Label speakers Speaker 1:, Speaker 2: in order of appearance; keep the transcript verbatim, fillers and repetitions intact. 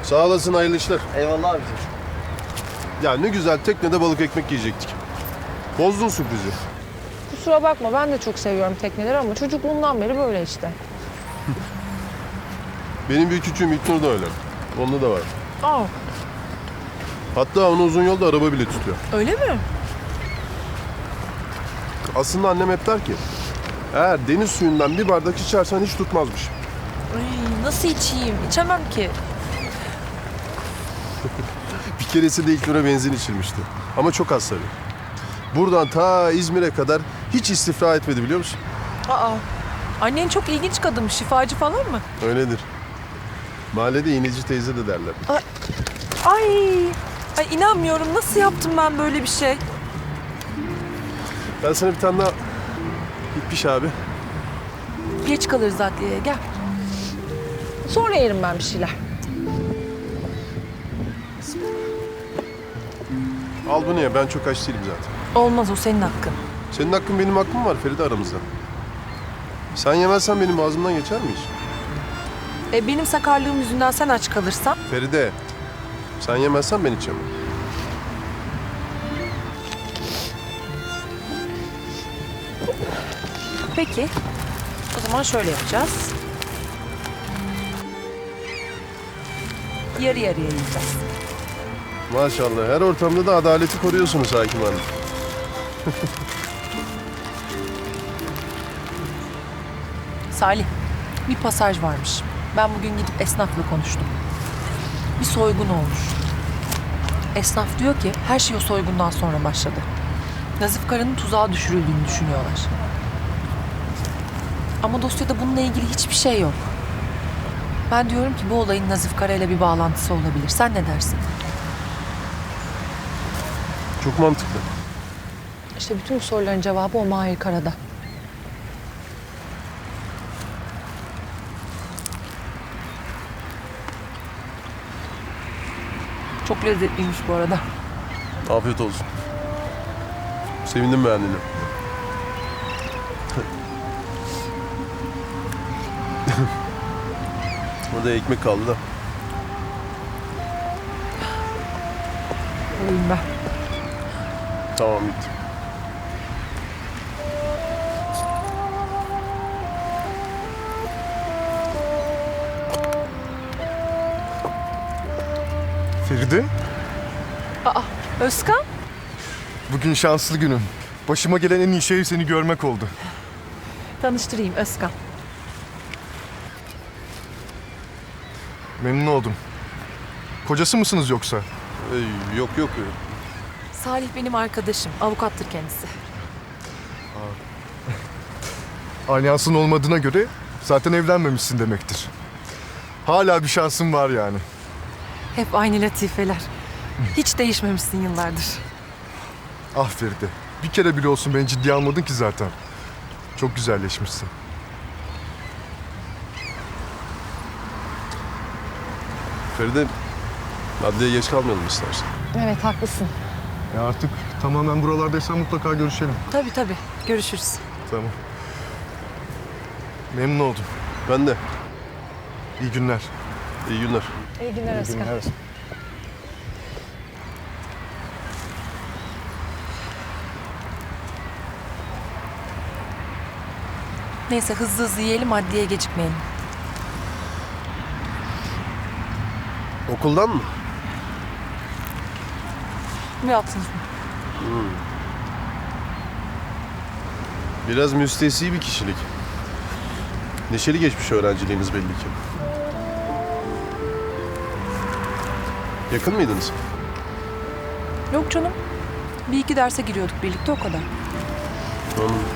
Speaker 1: Sağ olasın, hayırlı işler.
Speaker 2: Eyvallah abicim.
Speaker 1: Ya ne güzel teknede balık ekmek yiyecektik. Bozdun sürprizi.
Speaker 3: Kusura bakma, ben de çok seviyorum tekneleri ama çocukluğumdan beri böyle işte.
Speaker 1: Benim bir küçüğüm İlknur da öyle. Onda da var.
Speaker 3: Aa,
Speaker 1: Hatta onu uzun yolda araba bile tutuyor.
Speaker 3: öyle mi?
Speaker 1: Aslında annem hep der ki, eğer deniz suyundan bir bardak içersen hiç tutmazmış.
Speaker 4: Ay, nasıl içeyim? İçemem ki.
Speaker 1: Bir keresi de İlknur'a benzin içirmişti. Ama çok az tabii. Buradan ta İzmir'e kadar hiç istifra etmedi, biliyor musun?
Speaker 4: Aa, annen çok ilginç kadın, şifacı falan mı?
Speaker 1: Öyledir. Mahallede iğneci teyze de derler.
Speaker 4: Ay, ay inanmıyorum. Nasıl yaptım ben böyle bir şey?
Speaker 1: Ben sana bir tane daha gitmiş abi.
Speaker 4: Geç kalırız adliyeye, gel.
Speaker 3: Sonra yerim ben bir şeyler.
Speaker 1: Al bunu ye, ben çok aç değilim zaten.
Speaker 4: Olmaz, o senin hakkın.
Speaker 1: Senin hakkın benim hakkım var Feride aramızda. Sen yemezsen benim boğazımdan geçer mi hiç?
Speaker 4: E, benim sakarlığım yüzünden sen aç kalırsan.
Speaker 1: Feride, sen yemezsen ben içemem.
Speaker 4: Peki, o zaman şöyle yapacağız. Yarı yarıya yiyeceğiz.
Speaker 1: Maşallah, her ortamda da adaleti koruyorsunuz hakim hanım.
Speaker 4: Salih, bir pasaj varmış. Ben bugün gidip esnafla konuştum. Bir soygun olmuş. Esnaf diyor ki her şey o soygundan sonra başladı. Nazif Kara'nın tuzağa düşürüldüğünü düşünüyorlar. Ama dosyada bununla ilgili hiçbir şey yok. Ben diyorum ki bu olayın Nazif Kara ile bir bağlantısı olabilir. Sen ne dersin?
Speaker 1: Çok mantıklı.
Speaker 3: İşte bütün bu soruların cevabı o Mahir Kara'da.
Speaker 4: Çok lezzetliymiş bu arada.
Speaker 1: Afiyet olsun. Sevindim beğendiğine. Orada ekmek kaldı da.
Speaker 4: Alayım ben.
Speaker 1: Tamam, bitti.
Speaker 5: Feride,
Speaker 4: Aa, Özkan?
Speaker 5: bugün şanslı günüm. Başıma gelen en iyi şey seni görmek oldu.
Speaker 4: Tanıştırayım, Özkan.
Speaker 5: Memnun oldum. Kocası mısınız yoksa?
Speaker 1: Ee, yok yok.
Speaker 4: Salih benim arkadaşım. Avukattır kendisi.
Speaker 5: Alyansın olmadığına göre zaten evlenmemişsin demektir. Hala bir şansın var yani.
Speaker 4: Hep aynı latifeler. Hiç değişmemişsin yıllardır.
Speaker 5: Ah Feride, bir kere bile olsun beni ciddiye almadın ki zaten. Çok güzelleşmişsin.
Speaker 1: Feride, adliyeye geç kalmayalım istersen.
Speaker 3: Evet, haklısın.
Speaker 5: Ya artık tamamen buralardaysan mutlaka görüşelim.
Speaker 4: Tabii tabii. Görüşürüz.
Speaker 5: Tamam. Memnun oldum.
Speaker 1: Ben de.
Speaker 5: İyi günler.
Speaker 1: İyi günler.
Speaker 3: İyi günler Özkan.
Speaker 4: Neyse hızlı hızlı yiyelim, adliyeye gecikmeyelim.
Speaker 1: Okuldan mı?
Speaker 4: Ne yaptınız mı?
Speaker 1: Biraz müstesni bir kişilik. Neşeli geçmiş öğrenciliğiniz belli ki. Yakın mıydınız?
Speaker 4: Yok canım. Bir iki derse giriyorduk birlikte, o kadar.
Speaker 1: Anladım.